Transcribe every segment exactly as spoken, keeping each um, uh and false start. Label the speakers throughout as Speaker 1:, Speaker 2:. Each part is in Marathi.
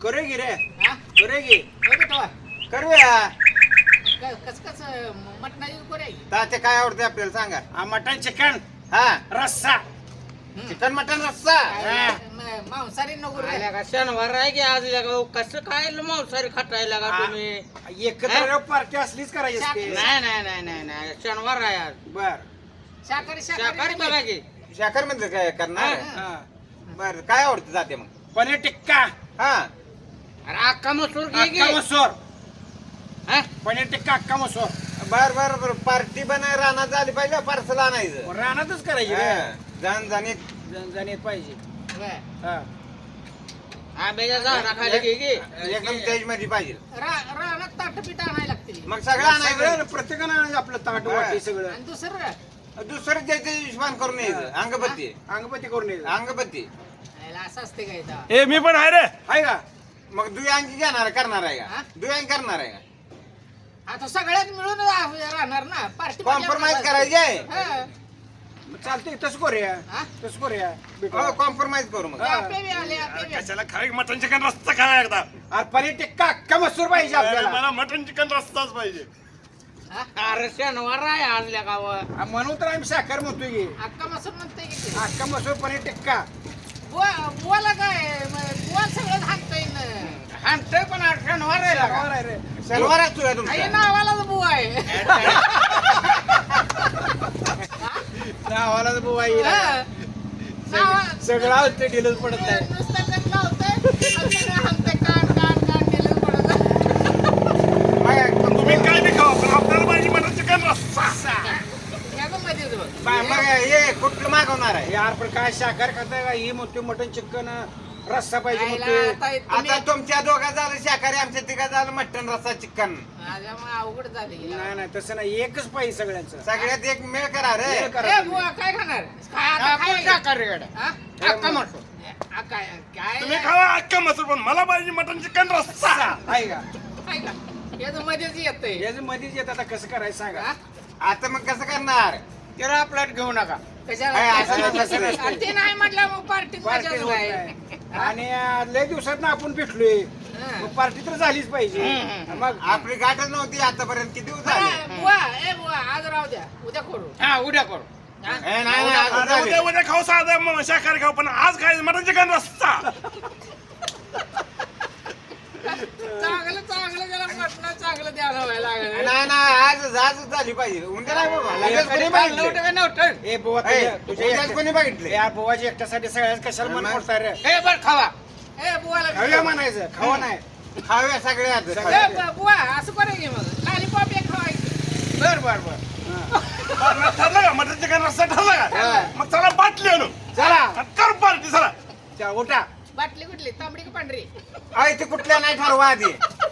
Speaker 1: करूया की रे
Speaker 2: हा?
Speaker 1: करूया की
Speaker 2: होय बेटवा.
Speaker 1: करूया
Speaker 2: क- कसं कसं मटणाची करूया की?
Speaker 1: तात्या काय आवडते आपल्याला सांगा
Speaker 3: हा, मटण चिकन
Speaker 1: हा
Speaker 3: रस्सा
Speaker 2: हं.
Speaker 1: चिकन मटन रस्सा
Speaker 2: काय, म- मांसाहारी नको रे.
Speaker 4: आल्या का शनिवार आहे की आज लगा कसं काय मांसाहारी खातायला का
Speaker 3: हा.
Speaker 4: तुम्ही
Speaker 3: एकत्र पार्टी असलीच करायची असते.
Speaker 4: नाही नाही नाही नाही नाही शनिवार आहे आज
Speaker 3: बर
Speaker 2: शाकाहारी
Speaker 4: शाकाहारी बघा की
Speaker 1: शाखर म्हणजे काय करणार
Speaker 2: हा.
Speaker 3: हा.
Speaker 1: बर काय आवडतं जाते मग
Speaker 3: पनीर टिक्का
Speaker 1: हा
Speaker 4: अरे अख्खा मसूर घे
Speaker 3: अक्का
Speaker 4: की.
Speaker 3: मसूर
Speaker 4: हा?
Speaker 3: पनीर टिक्का अक्का मसूर
Speaker 1: बर बर बर पार्टी बनाय रानात झाली पाहिजे पार्सल आणायचं
Speaker 3: रानातच करायची रे
Speaker 1: हा. जणजणीत
Speaker 3: जनजणीत पाहिजे
Speaker 2: होय.
Speaker 3: हा.
Speaker 4: आंब्याच्या झाडा खाली घे की.
Speaker 1: एकदम तेज मध्ये पाहिजे
Speaker 2: रा- रानात ताटपीठ आणायला लागते
Speaker 1: मग सगळं आणायचं
Speaker 3: सगळं प्रत्येकानं आणायचं आपलं ताट
Speaker 1: हा.
Speaker 3: वाटी सगळं
Speaker 2: आणि दुसरं
Speaker 1: दुसरं त्याचे हिशोबान करून यायचं अंगपत्ती
Speaker 3: अंगपती करून यायचं.
Speaker 1: अंगपत्ती
Speaker 2: याला असं असते काय इथं?
Speaker 3: ए मी पण आहे रे आहे का
Speaker 1: मग दुयांची घेणार करणार आहे
Speaker 2: हा?
Speaker 1: का दुयांची करणार आहे का
Speaker 2: आता सगळ्यात मिळून रा- राहणार ना पार्टी
Speaker 1: कॉम्प्रोमाइज करायची आहे
Speaker 3: मग चालतंय तसं करूया
Speaker 2: हा?
Speaker 3: तसं करूया
Speaker 1: हो
Speaker 3: बेटा.
Speaker 1: कॉम्प्रोमाइज करू मग
Speaker 3: हा.
Speaker 2: आपे बी आले आपे बी आले.
Speaker 5: कशाला खाय मटन चिकन रस्ता खाय एकदा
Speaker 3: अरे पनीर टिक्का अक्का मसूर पाहिजे
Speaker 5: अरे,
Speaker 3: आपल्याला
Speaker 5: मला मटन चिकन रस्ताच पाहिजे
Speaker 2: हा?
Speaker 4: अरे शनिवार आहे आज लगा व.
Speaker 3: हा, म्हणून तर आम्ही साखर म्हणतोय की
Speaker 2: अक्का मसूर म्हणते की ते.
Speaker 3: अक्का मसूर पनीर टिक्का
Speaker 2: बुवा बुवाला काय म- बुवा सगळं हाणता येईन.
Speaker 4: हाणतोय पण आज शनिवार आहे लगा.
Speaker 3: शनिवार आहे रे
Speaker 1: शनिवार असतो का
Speaker 2: आई
Speaker 1: तुमचा
Speaker 2: नावालाच बुवा आहे.
Speaker 3: नावाला बुवा येईल
Speaker 2: हा. नावा-
Speaker 3: सगळं होतं ढिलच पडत नाही
Speaker 2: नुसतं गट लावतंय, आणि सगळं हाणतंय, कान, कान, कान केलं पडतं.
Speaker 5: तुम्ही काय बी खावा पण आपल्याला पाहिजे मटन चिकन रस्सा
Speaker 2: या गं मध्येच बघ.
Speaker 1: बा- मग हे कुठलं मागवणार आहे
Speaker 3: यार पण काय शाकाहार खाताय का ही म्हणते मटन चिकन रस्सा पाहिजे
Speaker 2: आईला
Speaker 3: म्हणते
Speaker 2: आता तुम्ही-
Speaker 1: आता तुमच्या दोघा झालं शाकाहारी आमच्या तिघा झालं मटन रस्सा चिकन
Speaker 2: माझ्यामुळे अवघड झाली
Speaker 3: नाही नाही तसं नाही एकच पाहिजे सगळ्यांचं
Speaker 1: सगळ्यात एक मेळ करा रे
Speaker 3: मेळ करा.
Speaker 2: ए बुवा काय खाणार काय आता
Speaker 4: आपण
Speaker 2: काय
Speaker 4: शाकाहारी गड्या.
Speaker 2: हा?
Speaker 4: अख्खा मसूर
Speaker 2: आ, काय काय
Speaker 5: तुम्ही खावा अख्खा मसूर पण मला पाहिजे मटन चिकन रस्सा
Speaker 3: आहे का
Speaker 2: काय का याचं मध्येच येतंय
Speaker 3: याचं मध्येच येत आता कसं करायचं सांगा
Speaker 2: हा?
Speaker 1: आता मग कसं करणार
Speaker 4: त्याला प्लेट घेऊ नका
Speaker 2: कशाला
Speaker 1: काय असं
Speaker 2: कशाला-
Speaker 3: नसतं, नसतं.
Speaker 2: आणि ते नाही म्हटलं मग पार्टी
Speaker 3: पार्टी
Speaker 2: मजाच
Speaker 3: होत
Speaker 2: नाही.
Speaker 3: नाही. आणि अं, लय दिवसात आपण भेटलोय
Speaker 2: हा.
Speaker 3: मग पार्टी तर झालीच पाहिजे
Speaker 4: हम्म.
Speaker 3: मग
Speaker 1: आपली गाठच नव्हती आतापर्यंत किती दिवस झाले
Speaker 2: हा, बुवा ए बुवा आज राहू द्या उद्या करू
Speaker 4: हा उद्या करू
Speaker 2: हा?
Speaker 1: ए, नाही नाही अजून
Speaker 5: अरे
Speaker 1: झाले.
Speaker 5: उद्या उद्या खाऊ साधा मग शाकाहारी खाऊ पण आज खायचं मटन चिकन रस्सा
Speaker 2: चांगलं चांगलं त्याला म्हटलं चांगलं द्यायला व्हायला लागलं
Speaker 1: नाही नाही आज आजच झाली पाहिजे उद्या नाही बाबा लगेच कोणी
Speaker 4: नव्हतं
Speaker 1: बघितलं
Speaker 4: का नव्हतं
Speaker 3: ए बुवा
Speaker 1: ए,
Speaker 3: तुझ्या- तुझ्या
Speaker 1: उद्याच
Speaker 3: एकट्या-
Speaker 1: कोणी बघितले
Speaker 3: या बुवाच्या एकट्यासाठी सगळ्याच कशाला मन
Speaker 1: मग?
Speaker 3: मोडताय रे
Speaker 4: हे बर खावा
Speaker 2: ए बुवाला
Speaker 3: खाऊया म्हणायचं खावा नाही
Speaker 1: खाऊया सगळे आज
Speaker 3: सगळे.
Speaker 2: ए, बु- बुवा असं करू की मग लॉलीपॉप एक खावायचं
Speaker 4: बर बर बर
Speaker 3: हा.
Speaker 5: ठरलं का मटन चिकन रस्सा ठरला का
Speaker 2: हा.
Speaker 5: मग चला बाटली आणू
Speaker 3: चला
Speaker 5: कर पार्टी चला
Speaker 3: चला, उठा
Speaker 2: बाटली कुठली तांबडी की पांढरी
Speaker 1: आई ते कुठल्या नाही ठरवा आधी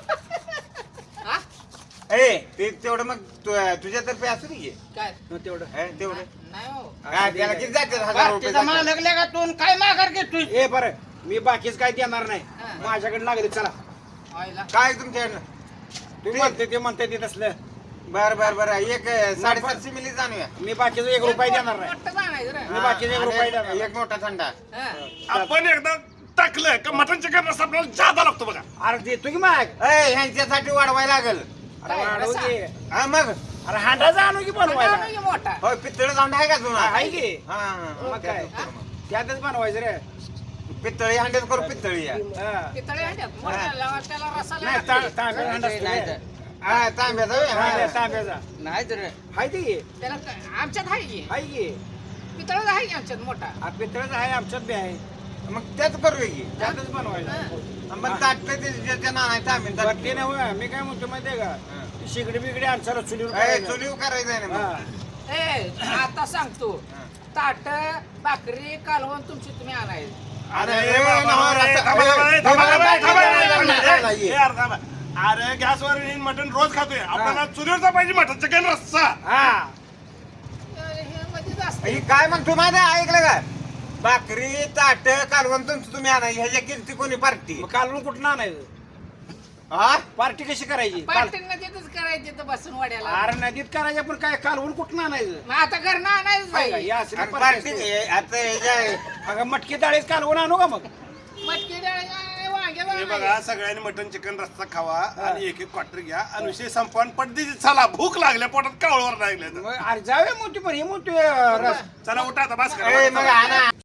Speaker 2: हा
Speaker 1: ए ते तेवढं मग तु- तुझ्यातर्फे असू दे
Speaker 2: काय
Speaker 3: मग तेवढं
Speaker 1: हे, तेवढं
Speaker 2: नाही हो
Speaker 1: काय त्याला किती जाते हजार रुपये
Speaker 4: तिचा
Speaker 1: जातात.
Speaker 4: मालक लगा तू काय माघार घेतोय
Speaker 3: ए बरं मी बाकीच काय देणार नाही
Speaker 2: हा.
Speaker 3: माझ्याकडे लागले चला
Speaker 2: व्हायला
Speaker 1: काय तुमच्याकडनं
Speaker 3: तू म्हणते ते म्हणते ते तसलं
Speaker 1: बर बर बर एक साडेसातशे मिली जाणूया
Speaker 3: मी बाकीचं एक रुपया देणार नाही
Speaker 2: मोठं आणायचं रे.
Speaker 3: मी बाकीचे एक
Speaker 1: आणि
Speaker 3: रुपये देणार नाही.
Speaker 1: एक मोठा थंडा
Speaker 2: हा.
Speaker 5: आपण एकदा टाकलं का मटन चिकन रस्सा आपल्याला जादा लागतो बघा
Speaker 3: अरे देतो की माग
Speaker 1: ए ह्यांच्यासाठी वाढवायला लागल
Speaker 3: अरे
Speaker 2: काय,
Speaker 3: वाढवू
Speaker 2: रस्सा?
Speaker 3: की.
Speaker 1: हा मग
Speaker 3: अरे हांडाचा आणू की
Speaker 2: मोठा
Speaker 3: बनवायला
Speaker 2: आणू की मोठा
Speaker 1: होय पितळ जाऊन आहे का तुला
Speaker 3: आहे की
Speaker 1: हा
Speaker 3: मग काय
Speaker 2: हा?
Speaker 3: त्यातच बनवायचं रे
Speaker 1: पितळी हांडेच करू पितळी या
Speaker 3: हा.
Speaker 2: पितळे आणतात मोठ्याला त्याला रसाला
Speaker 3: नाही
Speaker 2: लागतं.
Speaker 3: ता- तांब्या हांडा असतो
Speaker 4: नाही
Speaker 3: रे.
Speaker 4: तर.
Speaker 1: हा तांब्याचा होय, हा.
Speaker 3: तांब्या- तांब्याचा
Speaker 4: नाही तर
Speaker 3: आहे ते की
Speaker 2: त्याला काय- आमच्यात आहे की
Speaker 3: आहे की
Speaker 2: पितळच आहे की आमच्यात मोठा
Speaker 3: हा, पितळच आहे आमच्यात बी आहे
Speaker 1: मग त्याच करूया की
Speaker 3: त्यातच बनवायला
Speaker 2: हा.
Speaker 1: मग ताटलं ते ज्याच्या नाना तांबे
Speaker 3: बरं ते नाही मी काय म्हणतो माहितीये का ती शिगडी बिगडी आमच्याला चुलीवर करायला.
Speaker 1: चुलीव करायचं आहे ना
Speaker 3: हा.
Speaker 1: मग.
Speaker 2: ए आता सांगतो ताट भाकरी कालवण तुमची तुम्ही आणायची
Speaker 5: अरे
Speaker 1: अरे,
Speaker 5: ए बाबा,
Speaker 1: नवा
Speaker 5: ए,
Speaker 1: रस्सा-
Speaker 5: थांबा, थांबा, ए,
Speaker 1: ए,
Speaker 5: थांबा,
Speaker 1: थांबा,
Speaker 5: थांबा, थांबा,
Speaker 1: थांबा,
Speaker 5: थांबा,
Speaker 1: थांबा,
Speaker 5: ए,
Speaker 1: थांबा,
Speaker 5: ए, यार, थांबा. अरे गॅसवर येईन मटन रोज खातोय आपल्याला चुलीवरचा पाहिजे मटन चिकन रस्सा
Speaker 3: हा
Speaker 2: हे मध्येच असते
Speaker 1: हे काय मग तुम्हाला ऐकलं का भाकरी ताट कालवण तुमचं तुम्ही आणा ह्याच्या किमती कोणी पार्टी
Speaker 3: मग कालवून कुठं आणायचं
Speaker 1: हा
Speaker 3: पार्टी कशी करायची काल-
Speaker 2: पार्टींना तिथंच करायची तर बसून वाड्याला
Speaker 3: अरे नदीत करायचं पण काय कालवून कुठं आणायचं
Speaker 2: मग आता घरनं आणायच
Speaker 3: काय का?
Speaker 2: पाहिजे
Speaker 3: या असली
Speaker 1: आणि
Speaker 3: पार्टी
Speaker 1: पार्टी
Speaker 3: असते.
Speaker 1: आता ह्याच्या
Speaker 3: अगं मटकी डाळीच कालवून आणू का मग
Speaker 2: मटकी डाळ वांग्याला
Speaker 5: हे
Speaker 2: नाही.
Speaker 5: बघा सगळ्यांनी मटन चिकन रस्ता खावा आणि एक एक क्वार्टर घ्या आणि विषय संपवा आणि पटदीची चला भूक लागल्या पोटात कावळवर लागल्या
Speaker 3: मग अरे जाऊया मोठी पण ही मोठी रस
Speaker 5: चला उठा आता बस
Speaker 1: ए, मग
Speaker 5: करा
Speaker 1: आणा